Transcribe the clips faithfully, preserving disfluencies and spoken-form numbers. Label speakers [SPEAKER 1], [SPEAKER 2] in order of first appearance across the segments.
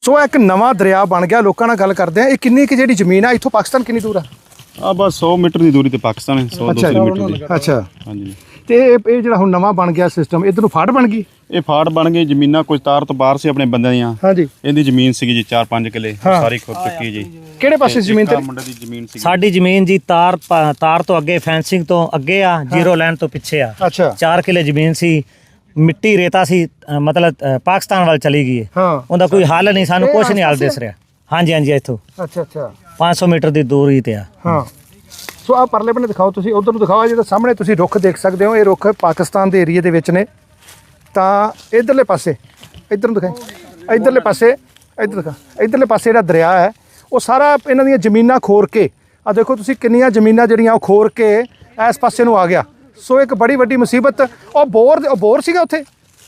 [SPEAKER 1] ਸੋ ਇੱਕ ਨਵਾਂ ਦਰਿਆ ਬਣ ਗਿਆ। ਲੋਕਾਂ ਨਾਲ ਗੱਲ ਕਰਦੇ ਆ, ਇਹ ਕਿੰਨੀ ਕਿ ਜਿਹੜੀ ਜ਼ਮੀਨ ਆ ਇੱਥੋਂ ਪਾਕਿਸਤਾਨ ਕਿੰਨੀ ਦੂਰ ਆ?
[SPEAKER 2] ਆ ਬਸ ਸੌ ਮੀਟਰ ਦੀ ਦੂਰੀ ਤੇ ਪਾਕਿਸਤਾਨ ਹੈ, ਸੌ ਦੋ ਸੌ ਮੀਟਰ ਦੀ।
[SPEAKER 1] ਅੱਛਾ
[SPEAKER 2] ਹਾਂਜੀ।
[SPEAKER 1] ਤੇ ਇਹ ਇਹ ਜਿਹੜਾ ਹੁਣ ਨਵਾਂ ਬਣ ਗਿਆ ਸਿਸਟਮ, ਇੱਧਰ ਨੂੰ ਫਾੜ ਬਣ ਗਈ?
[SPEAKER 2] ਇਹ ਫਾੜ ਬਣ ਗਈ, ਜ਼ਮੀਨਾਂ ਕੁਝ ਤਾਰ ਤੋਂ ਬਾਹਰ ਸੀ ਆਪਣੇ ਬੰਦਿਆਂ ਦੀਆਂ।
[SPEAKER 1] ਹਾਂਜੀ।
[SPEAKER 2] ਇਹਦੀ ਜ਼ਮੀਨ ਸੀਗੀ ਜੀ ਚਾਰ ਪੰਜ ਕਿੱਲੇ, ਸਾਰੀ ਖੁਦ ਚੁੱਕੀ ਜੀ।
[SPEAKER 1] ਕਿਹੜੇ ਪਾਸੇ ਜ਼ਮੀਨ ਤੇ?
[SPEAKER 2] ਮੁੰਡੇ ਦੀ ਜ਼ਮੀਨ ਸੀ
[SPEAKER 3] ਸਾਡੀ ਜ਼ਮੀਨ ਜੀ ਤਾਰ ਤਾਰ ਤੋਂ ਅੱਗੇ, ਫੈਂਸਿੰਗ ਤੋਂ ਅੱਗੇ ਆ, ਜ਼ੀਰੋ ਲਾਈਨ ਤੋਂ ਪਿੱਛੇ ਆ।
[SPEAKER 1] ਅੱਛਾ।
[SPEAKER 3] ਚਾਰ ਕਿੱਲੇ ਜ਼ਮੀਨ ਸੀ, ਮਿੱਟੀ ਰੇਤਾ ਸੀ, ਅ, ਮਤਲਬ ਅ, ਪਾਕਿਸਤਾਨ ਵੱਲ ਚਲੀ ਗਈ ਹੈ।
[SPEAKER 1] ਹਾਂ।
[SPEAKER 3] ਉਹਦਾ ਕੋਈ ਹੱਲ ਨਹੀਂ, ਸਾਨੂੰ ਕੁਝ ਨਹੀਂ ਹੱਲ ਦਿਸ ਰਿਹਾ। ਹਾਂਜੀ ਹਾਂਜੀ, ਇੱਥੋਂ
[SPEAKER 1] ਅੱਛਾ ਅੱਛਾ
[SPEAKER 3] ਪੰਜ ਸੌ ਮੀਟਰ ਦੀ ਦੂਰੀ ਤੇ ਆ।
[SPEAKER 1] ਹਾਂ। ਸੋ ਆ ਪਰਲੇ ਬੰਨੇ ਦਿਖਾਓ, ਤੁਸੀਂ ਉਧਰ ਨੂੰ ਦਿਖਾਓ। ਜਿਹੜਾ ਸਾਹਮਣੇ ਤੁਸੀਂ ਰੁੱਖ ਦੇਖ ਸਕਦੇ ਹੋ, ਇਹ ਰੁੱਖ ਪਾਕਿਸਤਾਨ ਦੇ ਏਰੀਏ ਦੇ ਵਿੱਚ ਨੇ। ਤਾਂ ਇਧਰਲੇ ਪਾਸੇ, ਇਧਰ ਨੂੰ ਦਿਖਾਈ, ਇਧਰਲੇ ਪਾਸੇ, ਇਧਰ ਦਿਖਾ, ਇਧਰਲੇ ਪਾਸੇ ਜਿਹੜਾ ਦਰਿਆ ਹੈ ਉਹ ਸਾਰਾ ਇਹਨਾਂ ਦੀਆਂ ਜ਼ਮੀਨਾਂ ਖੋਰ ਕੇ, ਆ ਦੇਖੋ ਤੁਸੀਂ ਕਿੰਨੀਆਂ ਜ਼ਮੀਨਾਂ ਜਿਹੜੀਆਂ ਉਹ ਖੋਰ ਕੇ ਇਸ ਪਾਸੇ ਨੂੰ ਆ ਗਿਆ। ਸੋ ਇੱਕ ਬੜੀ ਵੱਡੀ ਮੁਸੀਬਤ। ਉਹ ਬੋਰ ਉਹ ਬੋਰ ਸੀਗਾ ਉੱਥੇ?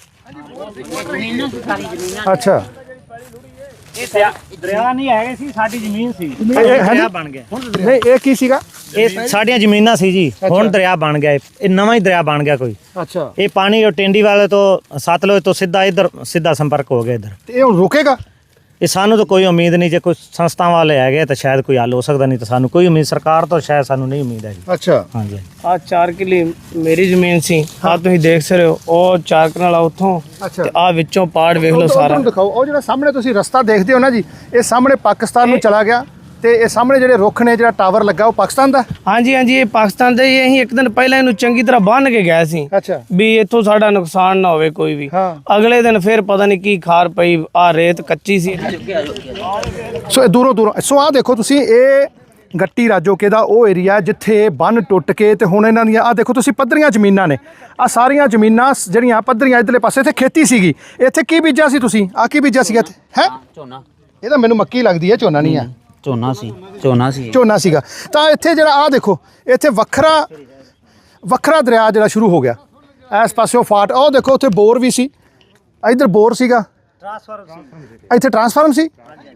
[SPEAKER 1] ਅੱਛਾ।
[SPEAKER 3] ਇਹ ਦਰਿਆ ਨਹੀਂ ਹੈਗੇ ਸੀ, ਸਾਡੀ ਜ਼ਮੀਨ ਸੀ, ਦਰਿਆ ਬਣ ਗਿਆ।
[SPEAKER 1] ਨਹੀਂ, ਇਹ ਕੀ ਸੀਗਾ?
[SPEAKER 3] ਇਹ ਸਾਡੀਆਂ ਜ਼ਮੀਨਾਂ ਸੀ ਜੀ, ਹੁਣ ਦਰਿਆ ਬਣ ਗਿਆ। ਇਹ ਨਵਾਂ ਹੀ ਦਰਿਆ ਬਣ ਗਿਆ ਕੋਈ।
[SPEAKER 1] ਅੱਛਾ।
[SPEAKER 3] ਇਹ ਪਾਣੀ ਉਹ ਟਿੰਡੀ ਵਾਲੇ ਤੋਂ ਸਤਲੁਜ ਤੋਂ ਸਿੱਧਾ ਇੱਧਰ ਸਿੱਧਾ ਸੰਪਰਕ ਹੋ ਗਿਆ ਇੱਧਰ।
[SPEAKER 1] ਤੇ ਇਹ ਹੁਣ ਰੁਕੇਗਾ?
[SPEAKER 3] ਇਹ ਸਾਨੂੰ ਤਾਂ ਕੋਈ ਉਮੀਦ ਨਹੀਂ। ਜੇ ਕੋਈ ਸੰਸਥਾਵਾਂ ਵਾਲੇ ਹੈਗੇ ਤਾਂ ਸ਼ਾਇਦ ਕੋਈ ਹੱਲ ਹੋ ਸਕਦਾ, ਨਹੀਂ ਤਾਂ ਸਾਨੂੰ ਕੋਈ ਉਮੀਦ ਸਰਕਾਰ ਤੋਂ ਸ਼ਾਇਦ ਸਾਨੂੰ ਨਹੀਂ ਉਮੀਦ ਹੈ ਜੀ।
[SPEAKER 1] ਅੱਛਾ।
[SPEAKER 3] ਹਾਂਜੀ।
[SPEAKER 4] ਆ ਚਾਰ ਕਿੱਲੇ ਮੇਰੀ ਜ਼ਮੀਨ ਸੀ, ਆ ਤੁਸੀਂ ਦੇਖ ਸਕਦੇ ਹੋ। ਉਹ ਚਾਰ ਕਨਾਲ ਉੱਥੋਂ ਤੇ ਆ ਵਿੱਚੋਂ ਪਾੜ ਵੇਖ ਲਓ ਸਾਰਾ।
[SPEAKER 1] ਦਿਖਾਓ ਉਹ ਜਿਹੜਾ ਸਾਹਮਣੇ ਤੁਸੀਂ ਰਸਤਾ ਦੇਖਦੇ ਹੋ ਨਾ ਜੀ, ਇਹ ਸਾਹਮਣੇ ਪਾਕਿਸਤਾਨ ਨੂੰ ਚਲਾ ਗਿਆ। ਤੇ ਇਹ ਸਾਹਮਣੇ ਜਿਹੜੇ ਰੁੱਖ ਨੇ, ਜਿਹੜਾ ਟਾਵਰ ਲੱਗਾ, ਉਹ ਪਾਕਿਸਤਾਨ ਦਾ?
[SPEAKER 4] ਹਾਂਜੀ ਹਾਂਜੀ, ਇਹ ਪਾਕਿਸਤਾਨ ਦਾ ਹੀ। ਅਸੀਂ ਇੱਕ ਦਿਨ ਪਹਿਲਾਂ ਇਹਨੂੰ ਚੰਗੀ ਤਰ੍ਹਾਂ ਬੰਨ੍ਹ ਕੇ ਗਏ ਸੀ
[SPEAKER 1] ਅੱਛਾ।
[SPEAKER 4] ਵੀ ਇੱਥੋਂ ਸਾਡਾ ਨੁਕਸਾਨ ਨਾ ਹੋਵੇ ਕੋਈ ਵੀ।
[SPEAKER 1] ਹਾਂ।
[SPEAKER 4] ਅਗਲੇ ਦਿਨ ਫਿਰ ਪਤਾ ਨਹੀਂ ਕੀ ਖਾਰ ਪਈ, ਆ ਰੇਤ ਕੱਚੀ ਸੀ।
[SPEAKER 1] ਸੋ ਇਹ ਦੂਰੋਂ ਦੂਰੋਂ, ਸੋ ਆਹ ਦੇਖੋ ਤੁਸੀਂ, ਇਹ ਗੱਟੀ ਰਾਜੋਕੇ ਦਾ ਉਹ ਏਰੀਆ ਜਿੱਥੇ ਬੰਨ ਟੁੱਟ ਕੇ ਤੇ ਹੁਣ ਇਹਨਾਂ ਦੀਆਂ, ਆਹ ਦੇਖੋ ਤੁਸੀਂ, ਪੱਧਰੀਆਂ ਜ਼ਮੀਨਾਂ ਨੇ। ਆਹ ਸਾਰੀਆਂ ਜ਼ਮੀਨਾਂ ਜਿਹੜੀਆਂ ਪੱਧਰੀਆਂ, ਇੱਧਰਲੇ ਪਾਸੇ ਇੱਥੇ ਖੇਤੀ ਸੀਗੀ। ਇੱਥੇ ਕੀ ਬੀਜਿਆ ਸੀ ਤੁਸੀਂ? ਆਹ ਕੀ ਬੀਜਿਆ ਸੀਗਾ ਇੱਥੇ? ਹੈ
[SPEAKER 5] ਝੋਨਾ।
[SPEAKER 1] ਇਹ ਤਾਂ ਮੈਨੂੰ ਮੱਕੀ ਲੱਗਦੀ ਹੈ, ਝੋਨਾ ਨਹੀਂ ਆ।
[SPEAKER 5] ਝੋਨਾ ਸੀ, ਝੋਨਾ ਸੀ,
[SPEAKER 1] ਝੋਨਾ ਸੀਗਾ। ਤਾਂ ਇੱਥੇ ਜਿਹੜਾ ਆਹ ਦੇਖੋ, ਇੱਥੇ ਵੱਖਰਾ ਵੱਖਰਾ ਦਰਿਆ ਜਿਹੜਾ ਸ਼ੁਰੂ ਹੋ ਗਿਆ। ਇਸ ਪਾਸਿਓਂ ਫਾਟ, ਉਹ ਦੇਖੋ ਉੱਥੇ ਬੋਰ ਵੀ ਸੀ, ਇੱਧਰ ਬੋਰ ਸੀਗਾ, ਇੱਥੇ ਟਰਾਂਸਫਾਰਮ ਸੀ,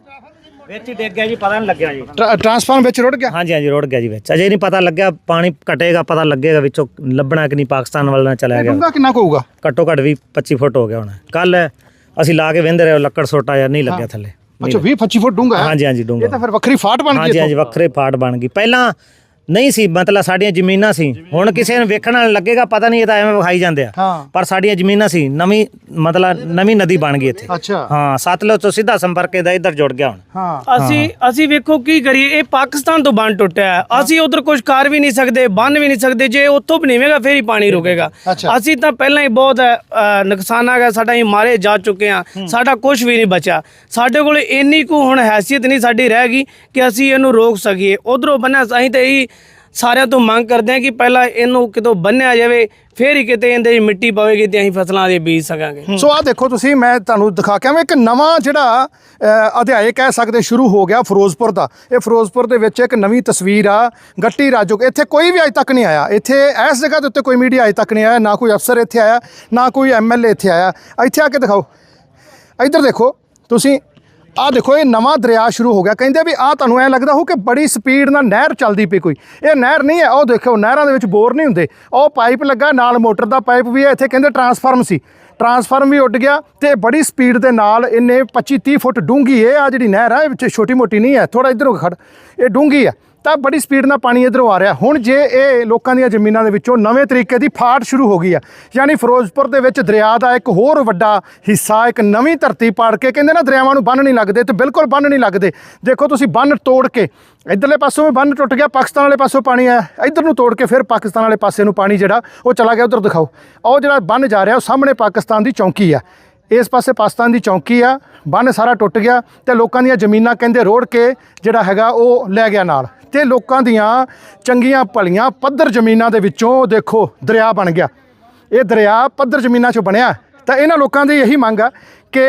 [SPEAKER 3] ਵਿੱਚ ਹੀ ਡਿੱਗ ਗਿਆ ਜੀ, ਪਤਾ ਨਹੀਂ ਲੱਗਿਆ ਜੀ।
[SPEAKER 1] ਟਰਾਂਸਫਾਰਮ ਵਿੱਚ ਰੁੜ ਗਿਆ?
[SPEAKER 3] ਹਾਂਜੀ ਹਾਂਜੀ, ਰੁੜ ਗਿਆ ਜੀ ਵਿੱਚ। ਅਜੇ ਨਹੀਂ ਪਤਾ ਲੱਗਿਆ, ਪਾਣੀ ਘਟੇਗਾ ਪਤਾ ਲੱਗੇਗਾ ਵਿੱਚੋਂ ਲੱਭਣਾ ਕਿ ਨਹੀਂ ਪਾਕਿਸਤਾਨ ਵੱਲ ਨਾ ਚਲਾ ਗਿਆ।
[SPEAKER 1] ਡੂੰਘਾ ਕਿੰਨਾ ਕੁ ਹੋਊਗਾ?
[SPEAKER 3] ਘੱਟੋ ਘੱਟ ਵੀਹ ਪੱਚੀ ਫੁੱਟ ਹੋ ਗਿਆ ਹੋਣਾ। ਕੱਲ ਅਸੀਂ ਲਾ ਕੇ ਵਹਿੰਦੇ ਰਹੇ, ਲੱਕੜ ਸੋਟਾ ਜਾਂ ਨਹੀਂ ਲੱਗਿਆ ਥੱਲੇ।
[SPEAKER 1] ਅੱਛਾ, ਵੀਹ ਪੱਚੀ ਫੁੱਟ ਡੂੰਘਾ ਹੈ?
[SPEAKER 3] ਹਾਂਜੀ ਹਾਂਜੀ, ਡੂੰਘਾ।
[SPEAKER 1] ਇਹ ਤਾਂ ਫਿਰ ਵੱਖਰੀ ਫਾਟ ਬਣ ਗਈ।
[SPEAKER 3] ਹਾਂਜੀ ਹਾਂਜੀ, ਵੱਖਰੇ ਫਾਟ ਬਣ ਗਈ। ਪਹਿਲਾਂ ਨਹੀਂ ਸੀ, ਮਤਲਬ ਸਾਡੀਆਂ ਜ਼ਮੀਨਾਂ ਸੀ। ਹੁਣ ਕਿਸੇ ਨੂੰ ਵੇਖਣ ਨਾਲ ਲੱਗੇਗਾ ਪਤਾ ਨਹੀਂ, ਇਹ ਤਾਂ ਐਵੇਂ ਵਿਖਾਈ ਜਾਂਦੇ ਆ, ਪਰ ਸਾਡੀਆਂ ਜ਼ਮੀਨਾਂ ਸੀ। ਨਵੀਂ ਮਤਲਬ ਨਵੀਂ ਨਦੀ ਬਣ ਗਈ ਇੱਥੇ।
[SPEAKER 1] ਅੱਛਾ।
[SPEAKER 3] ਹਾਂ, ਸਤਲੁਜ ਤੋਂ ਸਿੱਧਾ ਸੰਪਰਕ ਇਹਦਾ ਇੱਧਰ ਜੁੜ ਗਿਆ ਹੁਣ।
[SPEAKER 1] ਹਾਂ।
[SPEAKER 4] ਅਸੀਂ ਅਸੀਂ ਵੇਖੋ ਕੀ ਕਰੀਏ, ਇਹ ਪਾਕਿਸਤਾਨ ਤੋਂ ਬੰਨ ਟੁੱਟਿਆ ਹੈ। ਅਸੀਂ ਉਧਰ ਕੁਝ ਕਰ ਵੀ ਨਹੀਂ ਸਕਦੇ, ਬੰਨ ਵੀ ਨਹੀਂ ਸਕਦੇ। ਜੇ ਉੱਥੋਂ ਬਣੇਗਾ ਫਿਰ ਹੀ ਪਾਣੀ ਰੁਕੇਗਾ। ਅਸੀਂ ਤਾਂ ਪਹਿਲਾਂ ਹੀ ਬਹੁਤ ਅ, ਨੁਕਸਾਨ ਆ ਗਿਆ ਸਾਡਾ, ਹੀ ਮਾਰੇ ਜਾ ਚੁੱਕੇ ਆ, ਸਾਡਾ ਕੁਝ ਵੀ ਨਹੀਂ ਬਚਿਆ। ਸਾਡੇ ਕੋਲ ਇੰਨੀ ਕੁ ਹੁਣ ਹੈਸੀਅਤ ਨਹੀਂ ਸਾਡੀ ਰਹਿ ਗਈ ਕਿ ਅਸੀਂ ਇਹਨੂੰ ਰੋਕ ਸਕੀਏ। ਉਧਰੋਂ ਬੰਨਿਆ, ਅਸੀਂ ਤਾਂ ਇਹੀ ਸਾਰਿਆਂ ਤੋਂ ਮੰਗ ਕਰਦੇ ਹਾਂ ਕਿ ਪਹਿਲਾਂ ਇਹਨੂੰ ਕਿਤੋਂ ਬੰਨਿਆ ਜਾਵੇ, ਫੇਰ ਹੀ ਕਿਤੇ ਇਹਦੇ ਮਿੱਟੀ ਪਵੇਗੀ ਤੇ ਅਸੀਂ ਫਸਲਾਂ ਦੇ ਬੀਜ ਸਕਾਂਗੇ।
[SPEAKER 1] ਸੋ ਆਹ ਦੇਖੋ ਤੁਸੀਂ, ਮੈਂ ਤੁਹਾਨੂੰ ਦਿਖਾ ਕੇ ਆਵਾਂ, ਇੱਕ ਨਵਾਂ ਜਿਹੜਾ ਅਧਿਆਇ ਕਹਿ ਸਕਦੇ ਸ਼ੁਰੂ ਹੋ ਗਿਆ ਫਿਰੋਜ਼ਪੁਰ ਦਾ। ਇਹ ਫਿਰੋਜ਼ਪੁਰ ਦੇ ਵਿੱਚ ਇੱਕ ਨਵੀਂ ਤਸਵੀਰ ਆ, ਗੱਟੀ ਰਾਜੋਕੇ। ਇੱਥੇ ਕੋਈ ਵੀ ਅੱਜ ਤੱਕ ਨਹੀਂ ਆਇਆ। ਇੱਥੇ ਇਸ ਜਗ੍ਹਾ ਦੇ ਉੱਤੇ ਕੋਈ ਮੀਡੀਆ ਅੱਜ ਤੱਕ ਨਹੀਂ ਆਇਆ, ਨਾ ਕੋਈ ਅਫਸਰ ਇੱਥੇ ਆਇਆ, ਨਾ ਕੋਈ ਐਮ ਐਲ ਏ ਇੱਥੇ ਆਇਆ। ਇੱਥੇ ਆ ਕੇ ਦਿਖਾਓ, ਇੱਧਰ ਦੇਖੋ ਤੁਸੀਂ, ਆਹ ਦੇਖੋ, ਇਹ ਨਵਾਂ ਦਰਿਆ ਸ਼ੁਰੂ ਹੋ ਗਿਆ। ਕਹਿੰਦੇ ਵੀ ਆਹ ਤੁਹਾਨੂੰ ਐਂ ਲੱਗਦਾ ਹੋ ਕਿ ਬੜੀ ਸਪੀਡ ਨਾਲ ਨਹਿਰ ਚੱਲਦੀ ਪਈ ਕੋਈ। ਇਹ ਨਹਿਰ ਨਹੀਂ ਹੈ। ਉਹ ਦੇਖੋ, ਨਹਿਰਾਂ ਦੇ ਵਿੱਚ ਬੋਰ ਨਹੀਂ ਹੁੰਦੇ। ਉਹ ਪਾਈਪ ਲੱਗਾ ਨਾਲ, ਮੋਟਰ ਦਾ ਪਾਈਪ ਵੀ ਹੈ। ਇੱਥੇ ਕਹਿੰਦੇ ਟਰਾਂਸਫਾਰਮ ਸੀ, ਟਰਾਂਸਫਾਰਮ ਵੀ ਉੱਡ ਗਿਆ। ਤੇ ਬੜੀ ਸਪੀਡ ਦੇ ਨਾਲ ਇਹਨੇ ਪੱਚੀ ਤੀਹ ਫੁੱਟ ਡੂੰਘੀ ਇਹ ਆ ਜਿਹੜੀ ਨਹਿਰ ਆ, ਇਹ ਵਿੱਚ ਛੋਟੀ ਮੋਟੀ ਨਹੀਂ ਹੈ। ਥੋੜਾ ਇੱਧਰੋਂ ਖੜ, ਇਹ ਡੂੰਘੀ ਆ। ਤਾਂ ਬੜੀ ਸਪੀਡ ਨਾਲ ਪਾਣੀ ਇੱਧਰੋਂ ਆ ਰਿਹਾ। ਹੁਣ ਜੇ ਇਹ ਲੋਕਾਂ ਦੀਆਂ ਜ਼ਮੀਨਾਂ ਦੇ ਵਿੱਚੋਂ ਨਵੇਂ ਤਰੀਕੇ ਦੀ ਫਾਟ ਸ਼ੁਰੂ ਹੋ ਗਈ ਆ, ਯਾਨੀ ਫਿਰੋਜ਼ਪੁਰ ਦੇ ਵਿੱਚ ਦਰਿਆ ਦਾ ਇੱਕ ਹੋਰ ਵੱਡਾ ਹਿੱਸਾ, ਇੱਕ ਨਵੀਂ ਧਰਤੀ ਪਾੜ ਕੇ, ਕਹਿੰਦੇ ਨਾ ਦਰਿਆਵਾਂ ਨੂੰ ਬੰਨ੍ਹ ਨਹੀਂ ਲੱਗਦੇ, ਤੇ ਬਿਲਕੁਲ ਬੰਨ੍ਹ ਨਹੀਂ ਲੱਗਦੇ। ਦੇਖੋ ਤੁਸੀਂ, ਬੰਨ੍ਹ ਤੋੜ ਕੇ ਇੱਧਰਲੇ ਪਾਸੋਂ ਵੀ ਬੰਨ੍ਹ ਟੁੱਟ ਗਿਆ, ਪਾਕਿਸਤਾਨ ਵਾਲੇ ਪਾਸੋਂ ਪਾਣੀ ਆਇਆ, ਇੱਧਰ ਨੂੰ ਤੋੜ ਕੇ ਫਿਰ ਪਾਕਿਸਤਾਨ ਵਾਲੇ ਪਾਸੇ ਨੂੰ ਪਾਣੀ ਜਿਹੜਾ ਉਹ ਚਲਾ ਗਿਆ। ਉੱਧਰ ਦਿਖਾਓ, ਉਹ ਜਿਹੜਾ ਬੰਨ੍ਹ ਜਾ ਰਿਹਾ ਉਹ ਸਾਹਮਣੇ ਪਾਕਿਸਤਾਨ ਦੀ ਚੌਂਕੀ ਆ, ਇਸ ਪਾਸੇ ਪਾਕਿਸਤਾਨ ਦੀ ਚੌਂਕੀ ਆ। ਬੰਨ੍ਹ ਸਾਰਾ ਟੁੱਟ ਗਿਆ ਤੇ ਲੋਕਾਂ ਦੀਆਂ ਜ਼ਮੀਨਾਂ ਕਹਿੰਦੇ ਰੋੜ ਕੇ ਜਿਹੜਾ ਹੈਗਾ ਉਹ ਲੈ ਗਿਆ ਨਾਲ। ਤੇ ਲੋਕਾਂ ਦੀਆਂ ਚੰਗੀਆਂ ਭਲੀਆਂ ਪੱਧਰ ਜ਼ਮੀਨਾਂ ਦੇ ਵਿੱਚੋਂ ਦੇਖੋ ਦਰਿਆ ਬਣ ਗਿਆ। ਇਹ ਦਰਿਆ ਪੱਧਰ ਜ਼ਮੀਨਾਂ 'ਚੋਂ ਬਣਿਆ। ਤਾਂ ਇਹਨਾਂ ਲੋਕਾਂ ਦੀ ਇਹੀ ਮੰਗ ਆ ਕਿ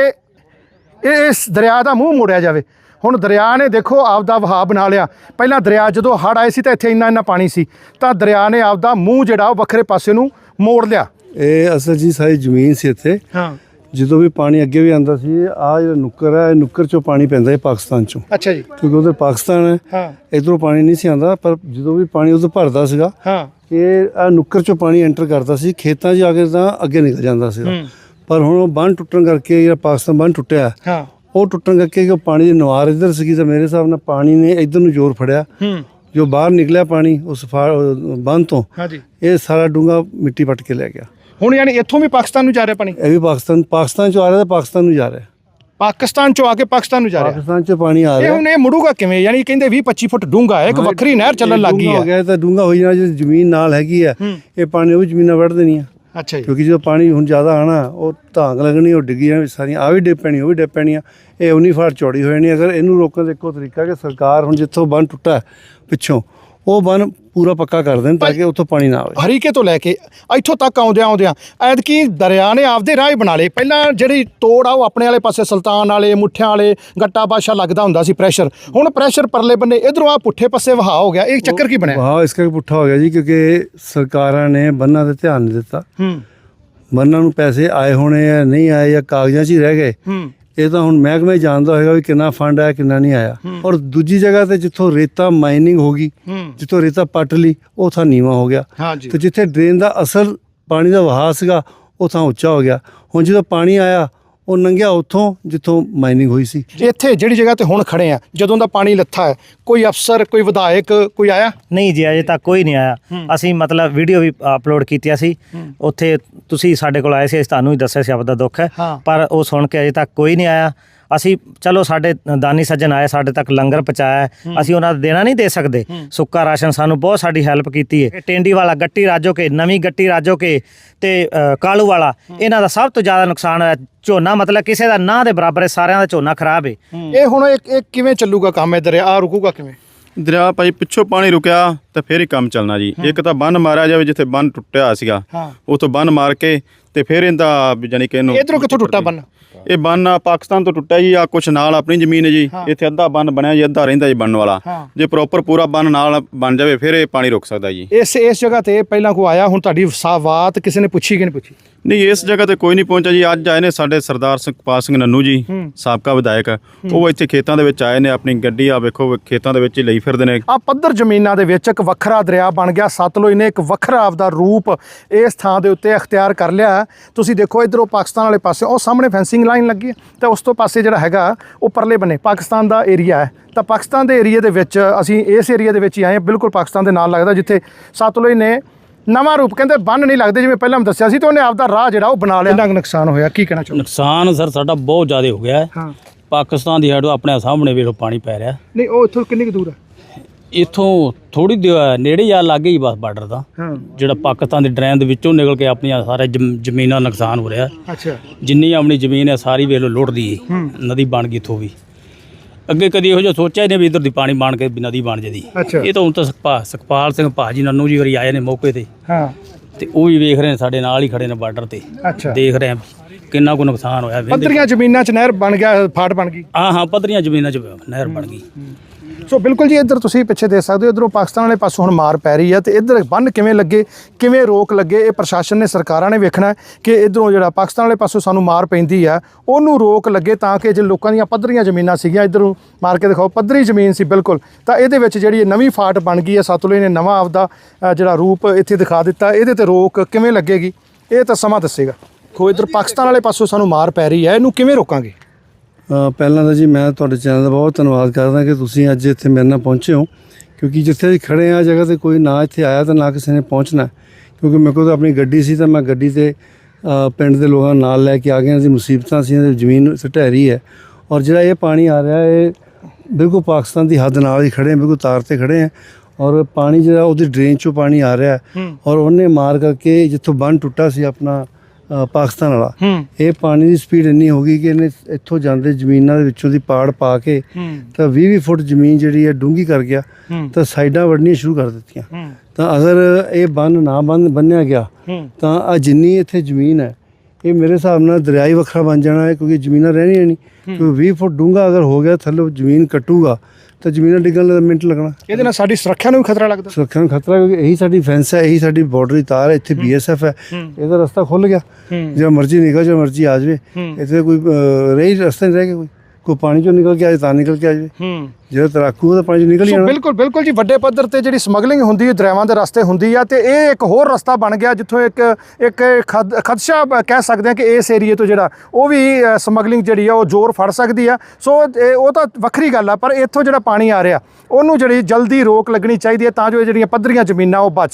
[SPEAKER 1] ਇਸ ਦਰਿਆ ਦਾ ਮੂੰਹ ਮੋੜਿਆ ਜਾਵੇ। ਹੁਣ ਦਰਿਆ ਨੇ ਦੇਖੋ ਆਪਦਾ ਵਹਾਅ ਬਣਾ ਲਿਆ। ਪਹਿਲਾਂ ਦਰਿਆ ਜਦੋਂ ਹੜ੍ਹ ਆਏ ਸੀ ਤਾਂ ਇੱਥੇ ਇੰਨਾ ਇੰਨਾ ਪਾਣੀ ਸੀ, ਤਾਂ ਦਰਿਆ ਨੇ ਆਪਦਾ ਮੂੰਹ ਜਿਹੜਾ ਉਹ ਵੱਖਰੇ ਪਾਸੇ ਨੂੰ ਮੋੜ ਲਿਆ।
[SPEAKER 6] ਇਹ ਅਸਲ ਜੀ ਸਾਰੀ ਜ਼ਮੀਨ ਸੀ ਇੱਥੇ।
[SPEAKER 1] ਹਾਂ।
[SPEAKER 6] ਜਦੋਂ ਵੀ ਪਾਣੀ ਅੱਗੇ ਵੀ ਆਉਂਦਾ ਸੀ, ਆਹ ਜਿਹੜਾ ਨੁੱਕਰ ਹੈ, ਨੁੱਕਰ 'ਚੋਂ ਪਾਣੀ ਪੈਂਦਾ ਹੈ ਪਾਕਿਸਤਾਨ 'ਚੋਂ।
[SPEAKER 1] ਅੱਛਾ ਜੀ।
[SPEAKER 6] ਕਿਉਂਕਿ ਉਧਰ ਪਾਕਿਸਤਾਨ ਹੈ।
[SPEAKER 1] ਹਾਂ।
[SPEAKER 6] ਇੱਧਰੋਂ ਪਾਣੀ ਨਹੀਂ ਸੀ ਆਉਂਦਾ, ਪਰ ਜਦੋਂ ਵੀ ਪਾਣੀ ਉਧਰ ਭਰਦਾ ਸੀਗਾ,
[SPEAKER 1] ਹਾਂ,
[SPEAKER 6] ਇਹ ਆਹ ਨੁੱਕਰ 'ਚੋਂ ਪਾਣੀ ਐਂਟਰ ਕਰਦਾ ਸੀ ਖੇਤਾਂ 'ਚ ਆ ਕੇ, ਤਾਂ ਅੱਗੇ ਨਿਕਲ ਜਾਂਦਾ ਸੀਗਾ। ਪਰ ਹੁਣ ਉਹ ਬੰਨ੍ਹ ਟੁੱਟਣ ਕਰਕੇ ਜਿਹੜਾ ਪਾਕਿਸਤਾਨ ਬੰਨ੍ਹ ਟੁੱਟਿਆ,
[SPEAKER 1] ਹਾਂ,
[SPEAKER 6] ਉਹ ਟੁੱਟਣ ਕਰਕੇ ਕਿ ਪਾਣੀ ਦੀ ਨਵਾਰ ਇੱਧਰ ਸੀਗੀ ਤਾਂ ਮੇਰੇ ਹਿਸਾਬ ਨਾਲ ਪਾਣੀ ਨੇ ਇੱਧਰ ਨੂੰ ਜ਼ੋਰ ਫੜਿਆ, ਜੋ ਬਾਹਰ ਨਿਕਲਿਆ ਪਾਣੀ ਉਸ ਬੰਨ੍ਹ ਤੋਂ,
[SPEAKER 1] ਹਾਂਜੀ,
[SPEAKER 6] ਇਹ ਸਾਰਾ ਡੂੰਘਾ ਮਿੱਟੀ ਪੱਟ ਕੇ ਲੈ ਗਿਆ।
[SPEAKER 1] ਹੁਣ ਯਾਨੀ ਇੱਥੋਂ ਵੀ ਪਾਕਿਸਤਾਨ ਨੂੰ ਜਾ ਰਿਹਾ ਪਾਣੀ?
[SPEAKER 6] ਇਹ ਵੀ ਪਾਕਿਸਤਾਨ ਪਾਕਿਸਤਾਨ ਚੋਂ ਆ ਰਿਹਾ ਤਾਂ ਪਾਕਿਸਤਾਨ ਨੂੰ ਜਾ ਰਿਹਾ,
[SPEAKER 1] ਪਾਕਿਸਤਾਨ ਚੋਂ ਆ ਕੇ ਪਾਕਿਸਤਾਨ ਨੂੰ ਜਾ ਰਿਹਾ।
[SPEAKER 6] ਪਾਕਿਸਤਾਨ ਚੋਂ ਪਾਣੀ ਆ
[SPEAKER 1] ਇਹ
[SPEAKER 6] ਰਿਹਾ।
[SPEAKER 1] ਹੁਣ ਇਹ ਮੁੜੂਗਾ ਕਿਵੇਂ? ਯਾਨੀ ਕਹਿੰਦੇ ਵੀਹ ਪੱਚੀ ਫੁੱਟ ਡੂੰਘਾ ਹੈ, ਇੱਕ ਵੱਖਰੀ ਨਹਿਰ ਚੱਲਣ ਲੱਗ ਗਈ
[SPEAKER 6] ਡੂੰਘਾ ਹੋ
[SPEAKER 1] ਹੈ।
[SPEAKER 6] ਗਿਆ ਤਾਂ ਡੂੰਘਾ ਹੋ ਜਾਣਾ, ਜੇ ਜ਼ਮੀਨ ਨਾਲ ਹੈਗੀ ਹੈ ਇਹ ਪਾਣੀ ਉਹ ਵੀ ਜ਼ਮੀਨਾਂ ਵੱਢ ਦੇਣੀਆਂ,
[SPEAKER 1] ਅੱਛਾ ਜੀ,
[SPEAKER 6] ਕਿਉਂਕਿ ਜਦੋਂ ਪਾਣੀ ਹੁਣ ਜ਼ਿਆਦਾ ਆਣਾ ਉਹ ਧਾਂਗ ਲੱਗਣੀ, ਉਹ ਡਿੱਗੀਆਂ ਸਾਰੀਆਂ, ਆ ਵੀ ਡਿੱਗ ਪੈਣੀ, ਉਹ ਵੀ ਡਿੱਗ ਪੈਣੀਆਂ, ਇਹ ਉਨੀ ਫਾੜ ਚੌੜੀ ਹੋ ਜਾਣੀ। ਅਗਰ ਇਹਨੂੰ ਰੋਕਣ ਦਾ ਇੱਕੋ ਤਰੀਕਾ ਕਿ ਸਰਕਾਰ ਹੁਣ ਜਿੱਥੋਂ ਬੰਨ ਟੁੱਟਾ ਪਿੱਛੋਂ ਉਹ ਬੰਨ ਪੂਰਾ ਪੱਕਾ ਕਰ ਦੇਣ ਤਾਂ ਕਿ ਉੱਥੋਂ ਪਾਣੀ ਨਾ ਆਵੇ।
[SPEAKER 1] ਹਰੀਕੇ ਤੋਂ ਲੈ ਕੇ ਇੱਥੋਂ ਤੱਕ ਆਉਂਦਿਆਂ ਆਉਂਦਿਆਂ ਐਤਕੀ ਦਰਿਆ ਨੇ ਆਪਦੇ ਰਾਹ ਹੀ ਬਣਾ ਲਏ। ਪਹਿਲਾਂ ਜਿਹੜੀ ਤੋੜ ਆ ਉਹ ਆਪਣੇ ਵਾਲੇ ਪਾਸੇ ਸੁਲਤਾਨ ਵਾਲੇ, ਮੁੱਠਿਆਂ ਵਾਲੇ, ਗੱਟਾ ਬਾਦਸ਼ਾਹ ਲੱਗਦਾ ਹੁੰਦਾ ਸੀ ਪ੍ਰੈਸ਼ਰ, ਹੁਣ ਪ੍ਰੈਸ਼ਰ ਪਰਲੇ ਬੰਨੇ ਇਧਰੋਂ ਆ ਪੁੱਠੇ ਪਾਸੇ ਵਹਾ ਹੋ ਗਿਆ। ਇਹ ਚੱਕਰ ਕੀ ਬਣਿਆ?
[SPEAKER 6] ਵਾਹ, ਇਸ ਕਰਕੇ ਪੁੱਠਾ ਹੋ ਗਿਆ ਜੀ, ਕਿਉਂਕਿ ਸਰਕਾਰਾਂ ਨੇ ਬੰਨਾਂ 'ਤੇ ਧਿਆਨ ਨਹੀਂ ਦਿੱਤਾ।
[SPEAKER 1] ਹੂੰ,
[SPEAKER 6] ਬੰਨਾਂ ਨੂੰ ਪੈਸੇ ਆਏ ਹੋਣੇ ਆ, ਨਹੀਂ ਆਏ, ਜਾਂ ਕਾਗਜ਼ਾਂ 'ਚ ਹੀ ਰਹਿ ਗਏ।
[SPEAKER 1] ਹੂੰ,
[SPEAKER 6] ਇਹ ਤਾਂ ਹੁਣ ਮਹਿਕਮਾ ਹੀ ਜਾਣਦਾ ਹੋਏਗਾ ਵੀ ਕਿੰਨਾ ਫੰਡ ਆਇਆ ਕਿੰਨਾ ਨਹੀਂ ਆਇਆ। ਔਰ ਦੂਜੀ ਜਗ੍ਹਾ ਤੇ ਜਿੱਥੋਂ ਰੇਤਾ ਮਾਈਨਿੰਗ ਹੋ ਗਈ, ਜਿੱਥੋਂ ਰੇਤਾ ਪੱਟ ਲਈ, ਉਹ ਥਾਂ ਨੀਵਾਂ ਹੋ ਗਿਆ,
[SPEAKER 1] ਹਾਂਜੀ,
[SPEAKER 6] ਤੇ ਜਿੱਥੇ ਡਰੇਨ ਦਾ ਅਸਲ ਪਾਣੀ ਦਾ ਵਹਾਅ ਸੀਗਾ ਉਹ ਥਾਂ ਉੱਚਾ ਹੋ ਗਿਆ। ਹੁਣ ਜਦੋਂ ਪਾਣੀ ਆਇਆ ਉਹ ਲੰਘਿਆ ਉੱਥੋਂ ਜਿੱਥੋਂ ਮਾਈਨਿੰਗ ਹੋਈ ਸੀ।
[SPEAKER 1] ਇੱਥੇ ਜਿਹੜੀ ਜਗ੍ਹਾ ਤੇ ਹੁਣ ਖੜੇ ਆ, ਜਦੋਂ ਦਾ ਪਾਣੀ ਲੱਥਾ ਹੈ, ਕੋਈ ਅਫਸਰ, ਕੋਈ ਵਿਧਾਇਕ, ਕੋਈ ਆਇਆ?
[SPEAKER 3] ਨਹੀਂ ਜੀ, ਅਜੇ ਤੱਕ ਕੋਈ ਨਹੀਂ ਆਇਆ। ਅਸੀਂ ਮਤਲਬ ਵੀਡੀਓ ਵੀ ਅਪਲੋਡ ਕੀਤੀਆਂ ਸੀ ਉੱਥੇ, ਤੁਸੀਂ ਸਾਡੇ ਕੋਲ ਆਏ ਸੀ, ਅਸੀਂ ਤੁਹਾਨੂੰ ਹੀ ਦੱਸਿਆ ਸੀ ਆਪਦਾ ਦੁੱਖ ਹੈ, ਪਰ ਉਹ ਸੁਣ ਕੇ ਅਜੇ ਤੱਕ ਕੋਈ ਨਹੀਂ ਆਇਆ। ਅਸੀਂ ਚਲੋ ਸਾਡੇ ਦਾਨੀ ਸੱਜਣ ਆਏ, ਸਾਡੇ ਤੱਕ ਲੰਗਰ ਪਹੁੰਚਾਇਆ, ਅਸੀਂ ਉਹਨਾਂ ਦਾ ਦੇਣਾ ਨਹੀਂ ਦੇ ਸਕਦੇ, ਸੁੱਕਾ ਰਾਸ਼ਨ ਸਾਨੂੰ ਬਹੁਤ ਸਾਡੀ ਹੈਲਪ ਕੀਤੀ ਹੈ। ਟੈਂਡੀ ਵਾਲਾ, ਗੱਟੀ ਰਾਜੋ ਕੇ, ਨਵੀਂ ਗੱਟੀ ਰਾਜੋ ਕੇ ਤੇ ਕਾਲੂ ਵਾਲਾ, ਇਹਨਾਂ ਦਾ ਸਭ ਤੋਂ ਜ਼ਿਆਦਾ ਨੁਕਸਾਨ ਹੋਇਆ। ਝੋਨਾ ਮਤਲਬ ਕਿਸੇ ਦਾ ਨਾ ਦੇ ਬਰਾਬਰ ਹੈ, ਸਾਰਿਆਂ ਦਾ ਝੋਨਾ ਖਰਾਬ ਹੈ।
[SPEAKER 1] ਇਹ ਹੁਣ ਇਹ ਕਿਵੇਂ ਚੱਲੂਗਾ ਕੰਮ? ਇਹ ਦਰਿਆ ਰੁਕੂਗਾ ਕਿਵੇਂ?
[SPEAKER 2] ਦਰਿਆ ਭਾਈ ਪਿੱਛੋਂ ਪਾਣੀ ਰੁਕਿਆ ਤਾਂ ਫੇਰ ਹੀ ਕੰਮ ਚੱਲਣਾ ਜੀ। ਇੱਕ ਤਾਂ ਬੰਨ ਮਾਰਿਆ ਜਾਵੇ, ਜਿੱਥੇ ਬੰਨ ਟੁੱਟਿਆ ਸੀਗਾ ਉਥੋਂ ਬੰਨ ਮਾਰ ਕੇ ਤੇ ਫਿਰ ਇਹਦਾ ਜਾਨੀ ਕਿ ਇਹਨੂੰ
[SPEAKER 1] ਇਧਰੋਂ ਕਿੱਥੋਂ ਟੁੱਟਾ ਬੰਨ?
[SPEAKER 2] ਇਹ ਬੰਨ ਪਾਕਿਸਤਾਨ ਤੋਂ ਟੁੱਟਿਆ ਜੀ, ਆ ਕੁਛ ਨਾਲ ਆਪਣੀ ਜ਼ਮੀਨ ਹੈ ਜੀ, ਇੱਥੇ ਅੱਧਾ ਬੰਨ ਬਣਿਆ ਜੀ, ਅੱਧਾ ਰਹਿੰਦਾ ਜੀ ਬਣਨ ਵਾਲਾ। ਜੇ ਪ੍ਰੋਪਰ ਪੂਰਾ ਬੰਨ ਨਾਲ ਬਣ ਜਾਵੇ ਫਿਰ ਇਹ ਪਾਣੀ ਰੁਕ ਸਕਦਾ ਜੀ।
[SPEAKER 1] ਇਸ ਇਸ ਜਗ੍ਹਾ ਤੇ ਪਹਿਲਾਂ ਕੋਈ ਆਇਆ? ਹੁਣ ਤੁਹਾਡੀ ਬਾਤ ਕਿਸੇ ਨੇ ਪੁੱਛੀ ਕਿ ਨਹੀਂ ਪੁੱਛੀ?
[SPEAKER 2] ਨਹੀਂ, ਇਸ ਜਗ੍ਹਾ ਤੇ ਕੋਈ ਨਹੀਂ ਪਹੁੰਚਿਆ ਜੀ। ਅੱਜ ਆਏ ਨੇ ਸਾਡੇ ਸਰਦਾਰ ਸੁਖਪਾਲ ਸਿੰਘ ਨੰਨੂ ਜੀ, ਸਾਬਕਾ ਵਿਧਾਇਕ, ਉਹ ਇੱਥੇ ਖੇਤਾਂ ਦੇ ਵਿੱਚ ਆਏ ਨੇ, ਆਪਣੀ ਗੱਡੀ ਆ ਵੇਖੋ ਖੇਤਾਂ ਦੇ ਵਿੱਚ ਹੀ ਲਈ ਫਿਰਦੇ ਨੇ।
[SPEAKER 1] ਆ ਪੱਧਰ ਜ਼ਮੀਨਾਂ ਦੇ ਵਿੱਚ ਇੱਕ ਵੱਖਰਾ ਦਰਿਆ ਬਣ ਗਿਆ ਸਤਲੁਜ ਨੇ, ਇੱਕ ਵੱਖਰਾ ਆਪਦਾ ਰੂਪ ਇਸ ਥਾਂ ਦੇ ਉੱਤੇ ਅਖਤਿਆਰ ਕਰ ਲਿਆ। ਤੁਸੀਂ ਦੇਖੋ ਇਧਰੋਂ ਪਾਕਿਸਤਾਨ ਵਾਲੇ ਪਾਸੇ ਉਹ ਸਾਹਮਣੇ ਫੈਂਸਿੰਗ ਲਾਈਨ ਲੱਗੀ ਹੈ, ਤੇ ਉਸ ਤੋਂ ਪਾਸੇ ਜਿਹੜਾ ਹੈਗਾ ਉਹ ਪਰਲੇ ਬੰਨੇ ਪਾਕਿਸਤਾਨ ਦਾ ਏਰੀਆ ਹੈ। ਤਾਂ ਪਾਕਿਸਤਾਨ ਦੇ ਏਰੀਆ ਦੇ ਵਿੱਚ ਅਸੀਂ ਇਸ ਏਰੀਆ ਦੇ ਵਿੱਚ ਹੀ ਆਏ ਹਾਂ, ਬਿਲਕੁਲ ਪਾਕਿਸਤਾਨ ਦੇ ਨਾਲ ਲੱਗਦਾ, ਜਿੱਥੇ ਸਤਲੁਜ ਨੇ ਨਵਾਂ ਰੂਪ, ਕਹਿੰਦੇ ਬੰਨ ਨਹੀਂ ਲੱਗਦੇ ਜਿਵੇਂ ਪਹਿਲਾਂ ਮੈਂ ਦੱਸਿਆ ਸੀ, ਤੇ ਉਹਨੇ ਆਪਦਾ ਰਾਹ ਜਿਹੜਾ ਉਹ ਬਣਾ ਲਿਆ। ਇੰਨਾ ਨੁਕਸਾਨ ਹੋਇਆ, ਕੀ ਕਹਿਣਾ ਚਾਹੁੰਦੇ?
[SPEAKER 7] ਨੁਕਸਾਨ ਸਰ ਸਾਡਾ ਬਹੁਤ ਜ਼ਿਆਦਾ ਹੋ ਗਿਆ ਹੈ।
[SPEAKER 1] ਹਾਂ,
[SPEAKER 7] ਪਾਕਿਸਤਾਨ ਦੀ ਸਾਈਡ ਆਪਣੇ ਸਾਹਮਣੇ ਵੇਖੋ ਪਾਣੀ ਪੈ ਰਿਹਾ।
[SPEAKER 1] ਨਹੀਂ ਉਹ ਇੱਥੋਂ ਕਿੰਨੀ ਕੁ ਦੂਰ ਹੈ?
[SPEAKER 7] ਇੱਥੋਂ ਥੋੜੀ ਨੇੜੇ ਜਾ ਲੱਗੇ ਹੀ ਬਸ ਬਾਰਡਰ ਦਾ,
[SPEAKER 1] ਹਾਂ,
[SPEAKER 7] ਜਿਹੜਾ ਪਾਕਿਸਤਾਨ ਦੀ ਡਰੇਨ ਦੇ ਵਿੱਚੋਂ ਨਿਕਲ ਕੇ ਆਪਣੀਆਂ ਸਾਰੇ ਜ਼ਮ- ਜ਼ਮੀਨਾਂ ਦਾ ਨੁਕਸਾਨ ਹੋ ਰਿਹਾ।
[SPEAKER 1] ਅੱਛਾ,
[SPEAKER 7] ਜਿੰਨੀ ਆਪਣੀ ਜ਼ਮੀਨ ਹੈ ਸਾਰੀ ਵੇਖ ਲਓ ਲੁੱਟਦੀ ਹੈ, ਨਦੀ ਬਣ ਗਈ ਇੱਥੋਂ ਵੀ। ਅੱਗੇ ਕਦੀ ਇਹੋ ਜਿਹਾ ਸੋਚਿਆ ਹੀ ਨਹੀਂ ਵੀ ਇੱਧਰ ਦੀ ਪਾਣੀ ਬਣ ਕੇ ਵੀ ਨਦੀ ਬਣ ਜਦੀ।
[SPEAKER 1] ਅੱਛਾ,
[SPEAKER 7] ਇਹ ਤਾਂ ਹੁਣ ਤਾਂ ਸੁਖਪਾ ਸੁਖਪਾਲ ਸਿੰਘ ਭਾਜੀ ਨੰਨੂ ਜੀ ਵਾਰੀ ਆਏ ਨੇ ਮੌਕੇ ਤੇ,
[SPEAKER 1] ਹਾਂ,
[SPEAKER 7] ਤੇ ਉਹ ਵੀ ਵੇਖ ਰਹੇ ਨੇ, ਸਾਡੇ ਨਾਲ ਹੀ ਖੜੇ ਨੇ ਬਾਰਡਰ ਤੇ,
[SPEAKER 1] ਅੱਛਾ,
[SPEAKER 7] ਦੇਖ ਰਹੇ ਆ ਕਿੰਨਾ ਕੁ ਨੁਕਸਾਨ ਹੋਇਆ।
[SPEAKER 1] ਪੱਧਰੀਆਂ ਜ਼ਮੀਨਾਂ 'ਚ ਨਹਿਰ ਬਣ ਗਿਆ, ਫਾਟ ਬਣ ਗਈ।
[SPEAKER 7] ਹਾਂ ਹਾਂ ਪੱਧਰੀਆਂ ਜ਼ਮੀਨਾਂ 'ਚ ਨਹਿਰ ਬਣ ਗਈ।
[SPEAKER 1] ਸੋ ਬਿਲਕੁਲ ਜੀ, ਇੱਧਰ ਤੁਸੀਂ ਪਿੱਛੇ ਦੇਖ ਸਕਦੇ ਹੋ, ਇੱਧਰੋਂ ਪਾਕਿਸਤਾਨ ਵਾਲੇ ਪਾਸੋਂ ਹੁਣ ਮਾਰ ਪੈ ਰਹੀ ਹੈ, ਤੇ ਇੱਧਰ ਬੰਨ ਕਿਵੇਂ ਲੱਗੇ, ਕਿਵੇਂ ਰੋਕ ਲੱਗੇ, ਇਹ ਪ੍ਰਸ਼ਾਸਨ ਨੇ, ਸਰਕਾਰਾਂ ਨੇ ਵੇਖਣਾ ਕਿ ਇੱਧਰੋਂ ਜਿਹੜਾ ਪਾਕਿਸਤਾਨ ਵਾਲੇ ਪਾਸੋਂ ਸਾਨੂੰ ਮਾਰ ਪੈਂਦੀ ਆ ਉਹਨੂੰ ਰੋਕ ਲੱਗੇ, ਤਾਂ ਕਿ ਜੇ ਲੋਕਾਂ ਦੀਆਂ ਪੱਧਰੀਆਂ ਜ਼ਮੀਨਾਂ ਸੀਗੀਆਂ, ਇੱਧਰੋਂ ਮਾਰ ਕੇ ਦਿਖਾਓ ਪੱਧਰੀ ਜ਼ਮੀਨ ਸੀ ਬਿਲਕੁਲ, ਤਾਂ ਇਹਦੇ ਵਿੱਚ ਜਿਹੜੀ ਇਹ ਨਵੀਂ ਫਾਟ ਬਣ ਗਈ ਹੈ, ਸਤਲੁਜ ਨੇ ਨਵਾਂ ਆਪਦਾ ਅ, ਜਿਹੜਾ ਰੂਪ ਇੱਥੇ ਦਿਖਾ ਦਿੱਤਾ। ਇਹਦੇ ਤੇ ਰੋਕ ਕਿਵੇਂ ਲੱਗੇਗੀ ਇਹ ਤਾਂ ਸਮਾਂ ਦੱਸੇਗਾ। ਖੋ ਇੱਧਰ ਪਾਕਿਸਤਾਨ ਵਾਲੇ ਪਾਸੋਂ ਸਾਨੂੰ ਮਾਰ ਪੈ ਰਹੀ ਹੈ, ਇਹਨੂੰ ਕਿਵੇਂ ਰੋਕਾਂਗੇ?
[SPEAKER 6] ਅ, ਪਹਿਲਾਂ ਤਾਂ ਜੀ ਮੈਂ ਤੁਹਾਡੇ ਚੈਨਲ ਦਾ ਬਹੁਤ ਧੰਨਵਾਦ ਕਰਦਾ ਕਿ ਤੁਸੀਂ ਅੱਜ ਇੱਥੇ ਮੇਰੇ ਨਾਲ ਪਹੁੰਚੇ ਹੋ, ਕਿਉਂਕਿ ਜਿੱਥੇ ਅਸੀਂ ਖੜੇ ਆ ਜਗ੍ਹਾ ਤੇ ਕੋਈ ਨਾ ਇੱਥੇ ਆਇਆ ਤਾਂ ਨਾ ਕਿਸੇ ਨੇ ਪਹੁੰਚਣਾ, ਕਿਉਂਕਿ ਮੇਰੇ ਕੋਲ ਤਾਂ ਆਪਣੀ ਗੱਡੀ ਸੀ ਤਾਂ ਮੈਂ ਗੱਡੀ ਤੇ ਅ, ਪਿੰਡ ਦੇ ਲੋਕਾਂ ਨਾਲ ਲੈ ਕੇ ਆ ਗਿਆ ਸੀ। ਮੁਸੀਬਤਾਂ ਸੀ, ਜ਼ਮੀਨ ਸਟਹਿਰੀ ਹੈ, ਔਰ ਜਿਹੜਾ ਇਹ ਪਾਣੀ ਆ ਰਿਹਾ ਇਹ ਬਿਲਕੁਲ ਪਾਕਿਸਤਾਨ ਦੀ ਹੱਦ ਨਾਲ ਹੀ ਖੜੇ ਹਾਂ, ਬਿਲਕੁਲ ਤਾਰ ਤੇ ਖੜੇ ਹਾਂ, ਔਰ ਪਾਣੀ ਜਿਹੜਾ ਉਹਦੀ ਡਰੇਨ 'ਚੋਂ ਪਾਣੀ ਆ ਰਿਹਾ, ਔਰ ਉਹਨੇ ਮਾਰ ਕਰਕੇ ਜਿੱਥੋਂ ਬੰਨ ਟੁੱਟਾ ਸੀ ਆਪਣਾ ਅ, ਪਾਕਿਸਤਾਨ ਵਾਲਾ, ਇਹ ਪਾਣੀ ਦੀ ਸਪੀਡ ਇੰਨੀ ਹੋ ਗਈ ਕਿ ਇਹਨੇ ਇੱਥੋਂ ਜਾਂਦੇ ਜ਼ਮੀਨਾਂ ਦੇ ਵਿੱਚੋਂ ਦੀ ਪਾੜ ਪਾ ਕੇ ਤਾਂ ਵੀਹ ਵੀਹ ਫੁੱਟ ਜ਼ਮੀਨ ਜਿਹੜੀ ਹੈ ਡੂੰਘੀ ਕਰ ਗਿਆ, ਤਾਂ ਸਾਈਡਾਂ ਵੱਢਣੀਆਂ ਸ਼ੁਰੂ ਕਰ ਦਿੱਤੀਆਂ। ਤਾਂ ਅਗਰ ਇਹ ਬੰਨ ਨਾ ਬੰਨ ਬੰਨਿਆ ਗਿਆ ਤਾਂ ਆ ਜਿੰਨੀ ਇੱਥੇ ਜ਼ਮੀਨ ਹੈ ਇਹ ਮੇਰੇ ਹਿਸਾਬ ਨਾਲ ਦਰਿਆ ਹੀ ਵੱਖਰਾ ਬਣ ਜਾਣਾ ਹੈ, ਕਿਉਂਕਿ ਜ਼ਮੀਨਾਂ ਰਹਿਣੀਆਂ ਨਹੀਂ, ਕਿਉਂਕਿ ਵੀਹ ਫੁੱਟ ਡੂੰਘਾ ਅਗਰ ਹੋ ਗਿਆ ਥੱਲੇ ਜ਼ਮੀਨ ਕੱਟੂਗਾ ਤਾਂ ਜ਼ਮੀਨਾਂ ਡਿੱਗਣ ਦਾ ਮਿੰਟ ਲੱਗਣਾ।
[SPEAKER 1] ਇਹਦੇ ਨਾਲ ਸਾਡੀ ਸੁਰੱਖਿਆ ਨੂੰ ਵੀ ਖਤਰਾ ਲੱਗਦਾ।
[SPEAKER 6] ਸੁਰੱਖਿਆ ਨੂੰ ਖਤਰਾ, ਕਿਉਂਕਿ ਇਹੀ ਸਾਡੀ ਫੈਂਸ ਹੈ, ਇਹੀ ਸਾਡੀ ਬਾਰਡਰ ਦੀ ਤਾਰ ਹੈ, ਇੱਥੇ ਬੀ ਐਸ ਐਫ ਹੈ, ਇਹਦਾ ਰਸਤਾ ਖੁੱਲ ਗਿਆ, ਜੋ ਮਰਜ਼ੀ ਨਿਕਲ, ਜੋ ਮਰਜ਼ੀ ਆ ਜਾਵੇ, ਇੱਥੇ ਕੋਈ ਰਹੀ ਰਸਤਾ ਨਹੀਂ ਰਹਿ ਗਿਆ ਕੋਈ। ਕੋਈ ਪਾਣੀ ਚੋਂ ਨਿਕਲ ਕੇ ਆਏ ਤਾਂ ਨਿਕਲ ਕੇ ਆ ਜਾਵੇ।
[SPEAKER 1] ਹੂੰ
[SPEAKER 6] ਜਿਹੜਾ ਤੈਰਾਕੂ ਉਹਦਾ ਪਾਣੀ ਚੋਂ ਨਿਕਲ ਹੀ
[SPEAKER 1] ਸੋ
[SPEAKER 6] ਜਾਣਾ।
[SPEAKER 1] ਬਿਲਕੁਲ ਬਿਲਕੁਲ ਜੀ, ਵੱਡੇ ਪੱਧਰ ਤੇ ਜਿਹੜੀ ਸਮਗਲਿੰਗ ਹੁੰਦੀ ਹੈ ਦਰਿਆਵਾਂ ਦੇ ਰਸਤੇ ਹੁੰਦੀ ਆ, ਤੇ ਇਹ ਇੱਕ ਹੋਰ ਰਸਤਾ ਬਣ ਗਿਆ ਜਿੱਥੋਂ ਇੱਕ ਇੱਕ ਖਦ- ਖਦਸ਼ਾ ਬ- ਕਹਿ ਸਕਦੇ ਆ ਕਿ ਇਸ ਏਰੀਏ ਤੋਂ ਜਿਹੜਾ ਉਹ ਵੀ ਸਮਗਲਿੰਗ ਜਿਹੜੀ ਆ ਉਹ ਜ਼ੋਰ ਫੜ ਸਕਦੀ ਆ। ਸੋ ਇਹ- ਉਹ ਤਾਂ ਵੱਖਰੀ ਗੱਲ ਆ, ਪਰ ਇੱਥੋਂ ਜਿਹੜਾ ਪਾਣੀ ਆ ਰਿਹਾ ਉਹਨੂੰ ਜਿਹੜੀ ਜਲਦੀ ਰੋਕ ਲੱਗਣੀ ਚਾਹੀਦੀ ਹੈ ਤਾਂ ਜੋ ਇਹ ਜਿਹੜੀਆਂ ਪੱਧਰੀਆਂ ਜ਼ਮੀਨਾਂ ਉਹ ਬਚ